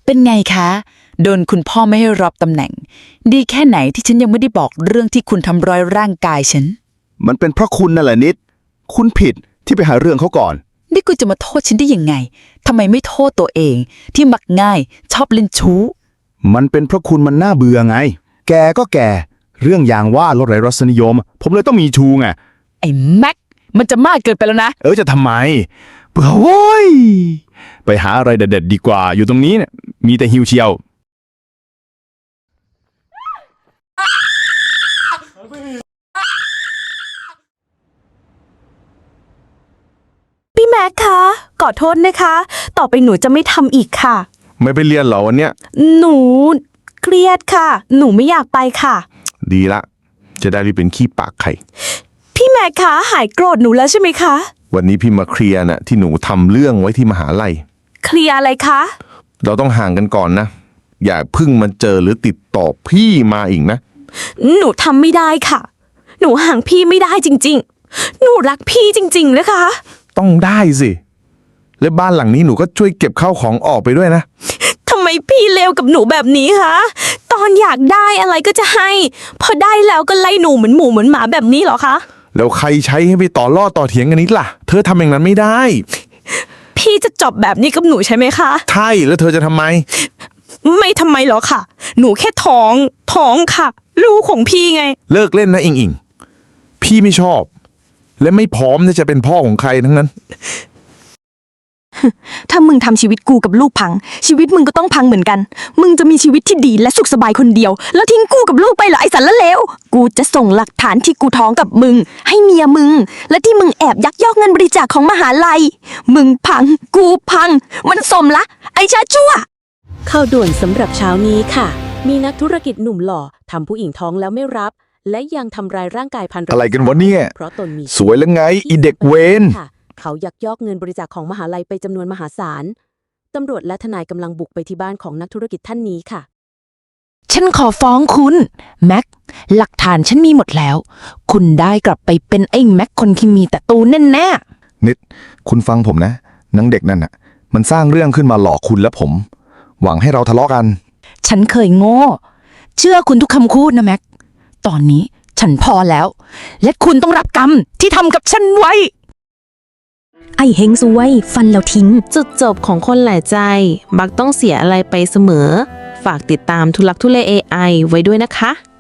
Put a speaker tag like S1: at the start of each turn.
S1: เป็นไงคะโดนคุณพ่อไม่ให้รับตำแหน่งดีแค่ไหนที่ฉันยังไม่ได้บอกเรื่องที่คุณทำร้ายร่างกายฉัน
S2: มันเป็นเพราะคุณนั่นแหละนิดคุณผิดที่ไปหาเรื่องเขาก่อน
S1: นี่คุณจะมาโทษฉันได้ยังไงทำไมไม่โทษตัวเองที่มักง่ายชอบเล่นชู้
S2: มันเป็นเพราะคุณมันน่าเบื่อไงแกก็แกเรื่องอย่างว่าลดไร้รสนิยมผมเลยต้องมีชูไง
S1: ไอ้แม็กมันจะมากเกินไปแล้วนะ
S2: จะทำไมเบื่อโว้ยไปหาอะไรเด็ดๆดีกว่าอยู่ตรงนี้เนี่ยมีแต่หิวเชียว
S3: พี่แม็กคะขอโทษนะคะต่อไปหนูจะไม่ทำอีกค่ะ
S2: ไม่ไปเรียนเหรอวันเนี้ย
S3: หนูเครียดค่ะหนูไม่อยากไปค่ะ
S2: ดีละจะได้รีบเป็นขี้ปากไข่
S3: พี่แม็กคะหายโกรธหนูแล้วใช่ไหมคะ
S2: วันนี้พี่มาเคลียร์น่ะที่หนูทำเรื่องไว้ที่มหาลัย
S3: เคลียร์อะไรคะ
S2: เราต้องห่างกันก่อนนะอย่าพึ่งมันเจอหรือติดต่อพี่มาอีกนะ
S3: หนูทำไม่ได้ค่ะหนูห่างพี่ไม่ได้จริงๆหนูรักพี่จริงๆนะคะ
S2: ต้องได้สิและบ้านหลังนี้หนูก็ช่วยเก็บข้าวของออกไปด้วยนะ
S3: ทำไมพี่เลวกับหนูแบบนี้คะตอนอยากได้อะไรก็จะให้พอได้แล้วก็ไล่หนูเหมือนหมูเหมือนหมาแบบนี้เหรอคะ
S2: แล้วใครใช้ให้ไปต่อล่อต่อเถียงกันนิดล่ะเธอทำอย่างนั้นไม่ได้
S3: พี่จะจบแบบนี้กับหนูใช่ไหมคะ
S2: ใช่แล้วเธอจะทำไม
S3: ไม่ทำไมหรอกค่ะหนูแค่ท้องค่ะลูกของพี่ไง
S2: เลิกเล่นนะอิงพี่ไม่ชอบและไม่พร้อมที่จะเป็นพ่อของใครทั้งนั้น
S3: ถ้ามึงทำชีวิตกูกับลูกพังชีวิตมึงก็ต้องพังเหมือนกันมึงจะมีชีวิตที่ดีและสุขสบายคนเดียวแล้วทิ้งกูกับลูกไปเหรอไอ้สันละเลวกูจะส่งหลักฐานที่กูท้องกับมึงให้เมียมึงและที่มึงแอบยักยอกเงินบริจาคของมหาลัยมึงพังกูพังมันสมละไอ้ชาชั่ว
S4: ข่าวด่วนสำหรับเช้านี้ค่ะมีนักธุรกิจหนุ่มหล่อทำผู้หญิงท้องแล้วไม่รับและยังทำร้ายร่างกายภรรยา
S2: อะไรกันวะเนี่ย
S4: เพราะตนมี
S2: สวยแล้วไงอีเด็กเวน
S4: เขายักยอกเงินบริจาคของมหาลัยไปจำนวนมหาศาลตำรวจและทนายกำลังบุกไปที่บ้านของนักธุรกิจท่านนี้ค่ะ
S1: ฉันขอฟ้องคุณแม็กหลักฐานฉันมีหมดแล้วคุณได้กลับไปเป็นไอ้แม็กคนที่มีแต่ตูแน่แน่
S2: นิดคุณฟังผมนะนางเด็กนั่นน่ะมันสร้างเรื่องขึ้นมาหลอกคุณและผมหวังให้เราทะเลาะกัน
S1: ฉันเคยโง่เชื่อคุณทุกคำพูดนะแม็กตอนนี้ฉันพอแล้วและคุณต้องรับกรรมที่ทำกับฉันไว้
S3: ไอ้เฮงซวยฟันแล้วทิ้ง
S4: จุดจบของคนหลายใจมักต้องเสียอะไรไปเสมอฝากติดตามทุลักทุเล AI ไว้ด้วยนะคะ